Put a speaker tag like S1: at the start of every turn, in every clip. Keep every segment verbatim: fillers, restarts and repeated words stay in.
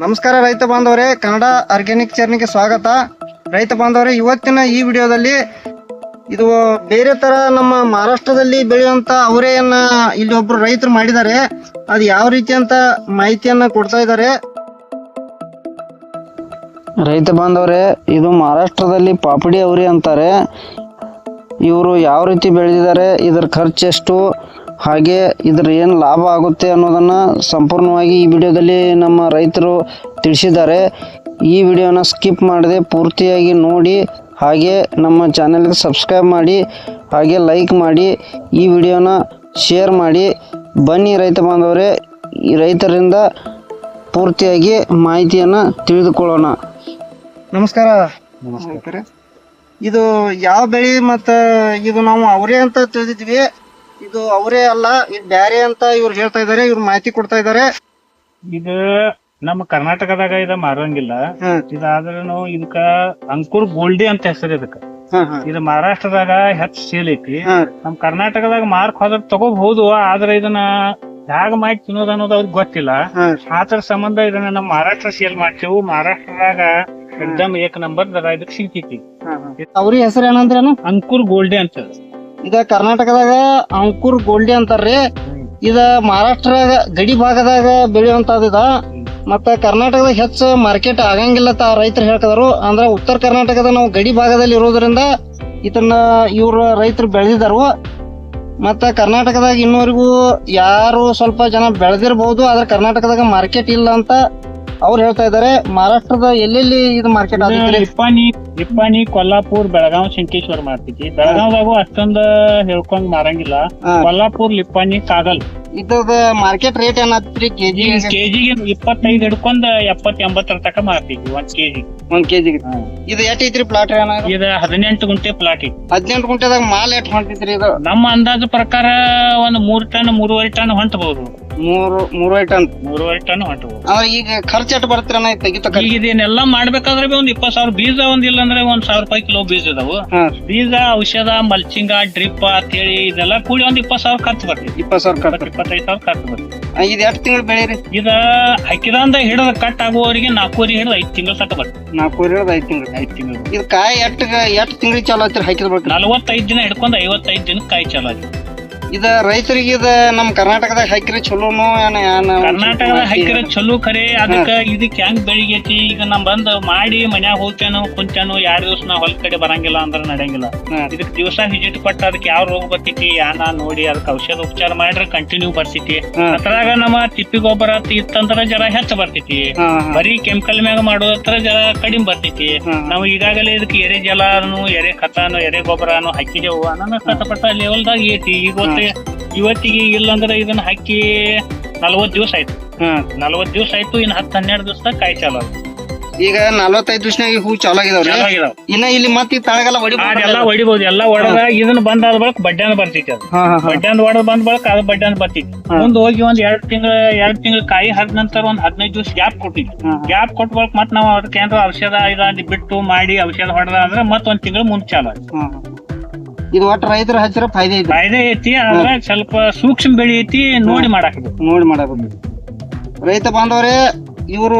S1: ನಮಸ್ಕಾರ ರೈತ ಬಾಂಧವರೇ, ಕನ್ನಡ ಆರ್ಗ್ಯಾನಿಕ್ ಚಾನೆಲ್ಗೆ ಸ್ವಾಗತ. ರೈತ ಬಾಂಧವರೇ, ಇವತ್ತಿನ ಈ ವಿಡಿಯೋದಲ್ಲಿ ಇದು ಬೇರೆ ತರ ನಮ್ಮ ಮಹಾರಾಷ್ಟ್ರದಲ್ಲಿ ಬೆಳೆಯುವಂತ ಅವರೆಯನ್ನ ಇಲ್ಲಿ ಒಬ್ರು ರೈತರು ಮಾಡಿದ್ದಾರೆ. ಅದು ಯಾವ ರೀತಿ ಅಂತ ಮಾಹಿತಿಯನ್ನ ಕೊಡ್ತಾ ಇದ್ದಾರೆ.
S2: ರೈತ ಬಾಂಧವರೇ, ಇದು ಮಹಾರಾಷ್ಟ್ರದಲ್ಲಿ ಪಾಪಡಿ ಅವರೆ ಅಂತಾರೆ. ಇವರು ಯಾವ ರೀತಿ ಬೆಳೆದಿದ್ದಾರೆ, ಇದರ ಖರ್ಚು ಎಷ್ಟು, ಹಾಗೆ ಇದ್ರ ಏನು ಲಾಭ ಆಗುತ್ತೆ ಅನ್ನೋದನ್ನು ಸಂಪೂರ್ಣವಾಗಿ ಈ ವಿಡಿಯೋದಲ್ಲಿ ನಮ್ಮ ರೈತರು ತಿಳಿಸಿದ್ದಾರೆ. ಈ ವಿಡಿಯೋನ ಸ್ಕಿಪ್ ಮಾಡದೆ ಪೂರ್ತಿಯಾಗಿ ನೋಡಿ, ಹಾಗೆ ನಮ್ಮ ಚಾನೆಲ್ಗೆ ಸಬ್ಸ್ಕ್ರೈಬ್ ಮಾಡಿ, ಹಾಗೆ ಲೈಕ್ ಮಾಡಿ, ಈ ವಿಡಿಯೋನ ಶೇರ್ ಮಾಡಿ. ಬನ್ನಿ ರೈತ ಬಾಂಧವರೇ, ಈ ರೈತರಿಂದ ಪೂರ್ತಿಯಾಗಿ ಮಾಹಿತಿಯನ್ನು ತಿಳಿದುಕೊಳ್ಳೋಣ.
S1: ನಮಸ್ಕಾರ. ನಮಸ್ಕಾರ. ಇದು ಯಾವ ಬೆಳೆ ಮತ್ತ ಇದು ನಾವು ಅವರೇ ಅಂತ ತಿಳಿದಿದ್ವಿ, ಇದು ಅವರೇ ಅಲ್ಲ, ಇದು ಬ್ಯಾರೆ ಅಂತ ಇವ್ರು ಹೇಳ್ತಾ ಇದಾರೆ. ಇವ್ರು ಮಾಹಿತಿ ಕೊಡ್ತಾ ಇದಾರೆ.
S3: ಇದು ನಮ್ಮ ಕರ್ನಾಟಕದಾಗ ಇದ ಮಾರಂಗಿಲ್ಲ. ಇದಾದ್ರೂ ಇದಕ್ಕ ಅಂಕುರ್ ಗೋಲ್ಡಿ ಅಂತ ಹೆಸರು. ಇದಕ್ಕ ಇದು ಮಹಾರಾಷ್ಟ್ರದಾಗ ಹೆಚ್ಚ ಸೇಲ್ ಐತಿ. ನಮ್ ಕರ್ನಾಟಕದಾಗ ಮಾರ್ಕ್ ಹೋದ್ರ ತಗೋಬಹುದು, ಆದ್ರೆ ಇದನ್ನ ಹ್ಯಾಗ ಮಾಡಿ ತಿನ್ನೋದು ಅನ್ನೋದು ಅವ್ರಿಗೆ ಗೊತ್ತಿಲ್ಲ. ಆತರ ಸಂಬಂಧ ಇದನ್ನ ನಮ್ ಮಹಾರಾಷ್ಟ್ರ ಸೇಲ್ ಮಾಡ್ತೇವು. ಮಹಾರಾಷ್ಟ್ರದಾಗ ಎಕ್ದಮ್ ಏಕ್ ನಂಬರ್ ಇದಕ್ ಸಿಗ್ತೈತಿ.
S1: ಅವ್ರ ಹೆಸರು ಏನಂದ್ರೇನು?
S3: ಅಂಕುರ್ ಗೋಲ್ಡಿ ಅಂತ.
S1: ಇದ ಕರ್ನಾಟಕದಾಗ ಅಂಕುರ್ ಗೋಲ್ಡಿ ಅಂತಾರ್ರಿ. ಇದ ಮಹಾರಾಷ್ಟ್ರ ಗಡಿ ಭಾಗದಾಗ ಬೆಳೆಯುವಂತದ. ಇದ ಮತ್ತ ಕರ್ನಾಟಕದಾಗ ಹೆಚ್ಚು ಮಾರ್ಕೆಟ್ ಆಗಂಗಿಲ್ಲ ಅಂತ ರೈತರು ಹೇಳ್ತಿದಾರು. ಅಂದ್ರ ಉತ್ತರ ಕರ್ನಾಟಕದ ನಾವು ಗಡಿ ಭಾಗದಲ್ಲಿ ಇರೋದ್ರಿಂದ ಇದನ್ನ ಇವ್ರ ರೈತರು ಬೆಳೆದಿದಾರು. ಮತ್ತ ಕರ್ನಾಟಕದಾಗ ಇನ್ನೂವರೆಗೂ ಯಾರು ಸ್ವಲ್ಪ ಜನ ಬೆಳೆದಿರಬಹುದು, ಆದ್ರೆ ಕರ್ನಾಟಕದಾಗ ಮಾರ್ಕೆಟ್ ಇಲ್ಲ ಅಂತ ಅವ್ರು ಹೇಳ್ತಾ ಇದಾರೆ. ಮಹಾರಾಷ್ಟ್ರದ ಎಲ್ಲೆಲ್ಲಿ ಇದು ಮಾರ್ಕೆಟ್ ಆಗುತ್ತೆ?
S3: ನಿಪ್ಪಾಣಿ ನಿಪ್ಪಾಣಿ ಕೊಲ್ಲಾಪುರ್, ಬೆಳಗಾವ್, ಶಂಕೇಶ್ವರ ಮಾಡ್ತೈತಿ. ಬೆಳಗಾವ್ದಾಗೂ ಅಷ್ಟೊಂದ ಹೇಳ್ಕೊಂಡ್ ಮಾರಂಗಿಲ್ಲ. ಕೊಲ್ಲಾಪುರ್, ನಿಪ್ಪಾಣಿ, ಕಾಗಲ್
S1: ಇದ್ರದ ಮಾರ್ಕೆಟ್ ರೇಟ್ ಏನಾಗ್ತೈತ್ರಿ? ಕೆಜಿ
S3: ಕೆಜಿಗೆ ಇಪ್ಪತ್ತೈದು ಹಿಡ್ಕೊಂಡ್ ಎಪ್ಪತ್ ಎಂಬತ್ತರ ತಕ ಮಾರ್ತೀವಿ ಒಂದ್ ಕೆಜಿ.
S1: ಒಂದ್ ಕೆಜಿಗೆ ಇದು ಎಷ್ಟ್ ಐತ್ರಿ ಪ್ಲಾಟ್?
S3: ಇದು ಹದಿನೆಂಟು ಗುಂಟೆ ಪ್ಲಾಟ್ ಐತಿ.
S1: ಹದಿನೆಂಟು ಗುಂಟೆದಾಗ ಮಾಲ್ ಎಷ್ಟ್ ಹೊಂಟೈತ್ರಿ? ಇದು
S3: ನಮ್ಮ ಅಂದಾಜು ಪ್ರಕಾರ ಒಂದ್ ಮೂರ್ ಟನ್ ಮೂರುವರೆ ಟನ್ ಹೊಂಟಬಹುದು.
S1: ಮೂರು ಮೂರುವರೆ ಟನ್
S3: ಮೂರುವರೆ ಟನ್ ಹೊಂಟಬಹುದು.
S1: ಅಂದ್ರೆ ಈಗ ಖರ್ಚು ಎಷ್ಟ್ ಬರ್ತೀರ ತೆಗಿತ?
S3: ಈಗ ಇದನ್ನೆಲ್ಲ ಮಾಡ್ಬೇಕಾದ್ರೆ ಒಂದ್ ಇಪ್ಪತ್ ಸಾವಿರ ಬೀಜ ಒಂದಿಲ್ಲ ಅಂದ್ರೆ ಒಂದ್ ಸಾವಿರ ರೂಪಾಯಿ ಕಿಲೋ ಬೀಜ ಇದಾವು. ಬೀಜ, ಔಷಧ, ಮಲ್ಚಿಂಗ, ಡ್ರಿಪ್ ಅಂತ ಹೇಳಿ ಇದೆಲ್ಲ ಕೂಡಿ ಒಂದ್ ಇಪ್ಪತ್ ಸಾವಿರ ಖರ್ಚು ಬರ್ತೈತಿ. ಇಪ್ಪತ್ ಸಾವಿರ ಖರ್ಚು ಇಪ್ಪತ್ತೈದು ಸಾವಿರ ಖರ್ಚು ಬರ್ತೈತಿ.
S1: ಇದು ಎಷ್ಟು ತಿಂಗಳು ಬೆಳೆರಿ? ಇದ
S3: ಹಾಕಿದಂದ ಹಿಡಿದ ಕಟ್ ಆಗುವವರಿಗೆ ನಾಲ್ಕೂವರೆ ಹಿಡಿದು ಐದ್ ತಿಂಗಳು ತಕ ಬರ್ತೈತಿ.
S1: ನಾಲ್ಕೂವರೆ ಹಿಡಿದು ಐದ್ ತಿಂಗಳು ಐದ್ ತಿಂಗಳು ಇದು ಕಾಯಿ ಎಷ್ಟ್ ಎಷ್ಟ್ ತಿಂಗಳಿಗೆ ಚಾಲು ಐತ್ರಿ ಹಾಕಿದ ಬರ್ತೀರಿ?
S3: ನಲವತ್ತೈದು ದಿನ ಹಿಡ್ಕೊಂಡ್ ಐವತ್ತೈದು ದಿನಕ್ಕೆ ಕಾಯಿ ಚಾಲು ಆಗಿ.
S1: ಇದ ರೈತರಿಗೆ ಇದ ನಮ್ ಕರ್ನಾಟಕದಾಗ ಹಾಕಿರಿ ಚಲೋನು?
S3: ಕರ್ನಾಟಕದಾಗ ಹಾಕಿರ ಚಲೋ ಖರೆ. ಅದಕ್ಕ ಇದಕ್ ಹೆಂಗ್ ಬೆಳಿಗೈತಿ, ಈಗ ನಮ್ ಬಂದ್ ಮಾಡಿ ಮನ್ಯಾಗ ಹೋಗ್ತೇನು ಕುಂತೇನು ಎರಡ್ ದಿವ್ಸ ನಾ ಹೊಲ ಕಡೆ ಬರಂಗಿಲ್ಲ ಅಂದ್ರ ನಡೆಯಂಗಿಲ್ಲ. ಇದಕ್ ದಿವಸ ವಿಸಿಟ್ ಕೊಟ್ಟ ಅದಕ್ಕೆ ಯಾವ ರೋಗ ಬರ್ತೈತಿ ಯಾನ ನೋಡಿ ಅದಕ್ಕೆ ಔಷಧ ಉಪಚಾರ ಮಾಡ್ರೆ ಕಂಟಿನ್ಯೂ ಬರ್ತೈತಿ. ಅದ್ರಾಗ ನಮ್ಮ ತಿಪ್ಪಿ ಗೊಬ್ಬರ ಇತ್ತಂದ್ರ ಜರ ಹೆಚ್ಚ ಬರ್ತೈತಿ. ಬರೀ ಕೆಮಿಕಲ್ ಮ್ಯಾಗ ಮಾಡೋದ್ರ ಜರ ಕಡಿಮೆ ಬರ್ತೈತಿ. ನಾವು ಈಗಾಗಲೇ ಇದಕ್ಕೆ ಎರೆ ಜಲಾನು, ಎರೆ ಖತಾನು, ಎರೆ ಗೊಬ್ಬರನು ಹಾಕಿದೆವು. ನನ್ನ ಕಷ್ಟಪಟ್ಟ ಲೆವೆಲ್ದಾಗ ಐತಿ. ಈಗ ಇವತ್ತಿಗೆ ಇಲ್ಲಂದ್ರೆ ಇದನ್ನ ಹಾಕಿ ನಲ್ವತ್ ದಿವಸ ಆಯ್ತು. ನಲ್ವತ್ ದಿವಸ ಆಯ್ತು. ಇನ್ ಹತ್ತು ಹನ್ನೆರಡು ದಿವಸದಾಗ ಕಾಯಿ ಚಾಲು.
S1: ಈಗ ನಲ್ವತ್ತೈದು ದಿವಸನಾಗ ಹೂ ಚಾಲು ಆಗಿದಾವ್ರಿ. ಇನ್ನ ಇಲ್ಲಿ ಮತ್ತೆ ತಳಗೆಲ್ಲ
S3: ಎಲ್ಲ ಹೊಡಿಬಹುದು. ಎಲ್ಲ ಹೊಡೆದ ಇದನ್ನ ಬಂದಾದ ಬಳಕ ಬಡ್ಡ್ಯಾನ ಬರ್ತೈತಿ. ಅದು ಬಡ್ಡ್ಯಾನ್ ಹೊಡೆದ್ ಬಂದ ಬಳಕ ಅದು ಬಡ್ಡ್ಯಾನ್ ಬರ್ತೈತಿ. ಮುಂದ್ ಹೋಗಿ ಒಂದ್ ಎರಡ್ ತಿಂಗಳ ಎರಡ್ ತಿಂಗಳ ಕಾಯಿ ಹರಿದ ನಂತರ ಒಂದ್ ಹದಿನೈದು ದಿವಸ ಗ್ಯಾಪ್ ಕೊಟ್ಟಿದ್ವಿ. ಗ್ಯಾಪ್ ಕೊಟ್ಟ ಬಳಕ ಮತ್ ನಾವ್ ಅದಕ್ಕೆ ಏನಾರ ಔಷಧ ಇದ ಬಿಟ್ಟು ಮಾಡಿ ಔಷಧ ಹೊಡೆದ ಅಂದ್ರೆ ಮತ್ ಒಂದ್ ತಿಂಗಳ ಮುಂದ್ ಚಾಲು.
S1: ಇದು ಒಟ್ಟು ರೈತರ ಹಚ್ಚಿರ ಫಾಯ್ದೆ ಐತಿ.
S3: ಫಾಯ್ದೆ ಐತಿ. ಆದ್ರೆ ಸ್ವಲ್ಪ ಸೂಕ್ಷ್ಮ ಬೆಳಿ ಐತಿ, ನೋಡಿ ಮಾಡಾಕಬೇಕು
S1: ನೋಡಿ ಮಾಡಾಕಬೇಕು ರೈತ ಬಾಂಧವರೇ, ಇವರು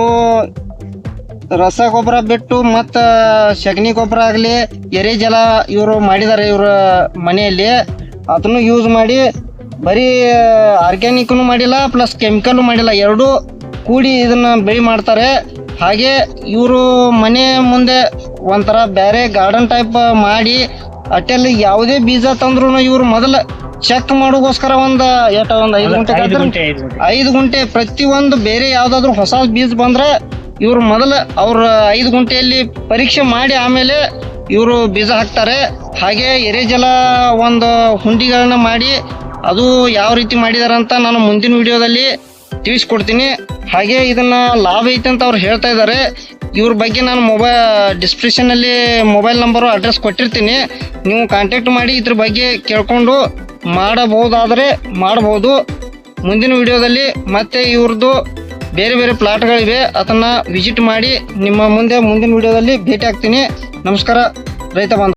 S1: ರಸಗೊಬ್ಬರ ಬಿಟ್ಟು ಮತ್ತ ಸಗಣಿ ಗೊಬ್ಬರ ಆಗ್ಲಿ, ಎರೆ ಜಲ ಇವರು ಮಾಡಿದಾರೆ ಇವ್ರ ಮನೆಯಲ್ಲಿ. ಅದನ್ನು ಯೂಸ್ ಮಾಡಿ ಬರೀ ಆರ್ಗ್ಯಾನಿಕ್ನು ಮಾಡಿಲ್ಲ, ಪ್ಲಸ್ ಕೆಮಿಕಲ್ ಮಾಡಿಲ್ಲ, ಎರಡು ಕೂಡಿ ಇದನ್ನ ಬೆಳಿ ಮಾಡ್ತಾರೆ. ಹಾಗೆ ಇವರು ಮನೆ ಮುಂದೆ ಒಂಥರ ಬೇರೆ ಗಾರ್ಡನ್ ಟೈಪ್ ಮಾಡಿ ಅಟ್ಟೆಲ್ಲಿ ಯಾವುದೇ ಬೀಜ ತಂದ್ರು ಇವ್ರು ಮೊದಲ ಚೆಕ್ ಮಾಡೋಗೋಸ್ಕರ ಒಂದ್ ಎಷ್ಟ ಒಂದ್ ಐದು ಗುಂಟೆ ಐದು ಗುಂಟೆ ಪ್ರತಿ ಒಂದು ಬೇರೆ ಯಾವ್ದಾದ್ರು ಹೊಸ ಬೀಜ ಬಂದ್ರೆ ಇವ್ರು ಮೊದಲ ಅವ್ರ ಐದು ಗುಂಟೆಯಲ್ಲಿ ಪರೀಕ್ಷೆ ಮಾಡಿ ಆಮೇಲೆ ಇವರು ಬೀಜ ಹಾಕ್ತಾರೆ. ಹಾಗೆ ಎರೆಜಲ ಒಂದು ಹುಂಡಿಗಳನ್ನ ಮಾಡಿ ಅದು ಯಾವ ರೀತಿ ಮಾಡಿದಾರೆ ಅಂತ ನಾನು ಮುಂದಿನ ವಿಡಿಯೋದಲ್ಲಿ ತಿಳಿಸ್ಕೊಡ್ತೀನಿ. ಹಾಗೆ ಇದನ್ನ ಲಾಭ ಐತೆ ಅಂತ ಅವ್ರು ಹೇಳ್ತಾ ಇದ್ದಾರೆ. ಇವ್ರ ಬಗ್ಗೆ ನಾನು ಮೊಬೈಲ್ ಡಿಸ್ಕ್ರಿಪ್ಷನಲ್ಲಿ ಮೊಬೈಲ್ ನಂಬರು ಅಡ್ರೆಸ್ ಕೊಟ್ಟಿರ್ತೀನಿ. ನೀವು ಕಾಂಟ್ಯಾಕ್ಟ್ ಮಾಡಿ ಇದ್ರ ಬಗ್ಗೆ ಕೇಳ್ಕೊಂಡು ಮಾಡಬಹುದಾದರೆ ಮಾಡಬಹುದು. ಮುಂದಿನ ವಿಡಿಯೋದಲ್ಲಿ ಮತ್ತೆ ಇವ್ರದ್ದು ಬೇರೆ ಬೇರೆ ಪ್ಲಾಟ್ಗಳಿವೆ, ಅದನ್ನು ವಿಸಿಟ್ ಮಾಡಿ ನಿಮ್ಮ ಮುಂದೆ ಮುಂದಿನ ವಿಡಿಯೋದಲ್ಲಿ ಭೇಟಿ ಆಗ್ತೀನಿ. ನಮಸ್ಕಾರ ರೈತ ಬಾಂಧವ.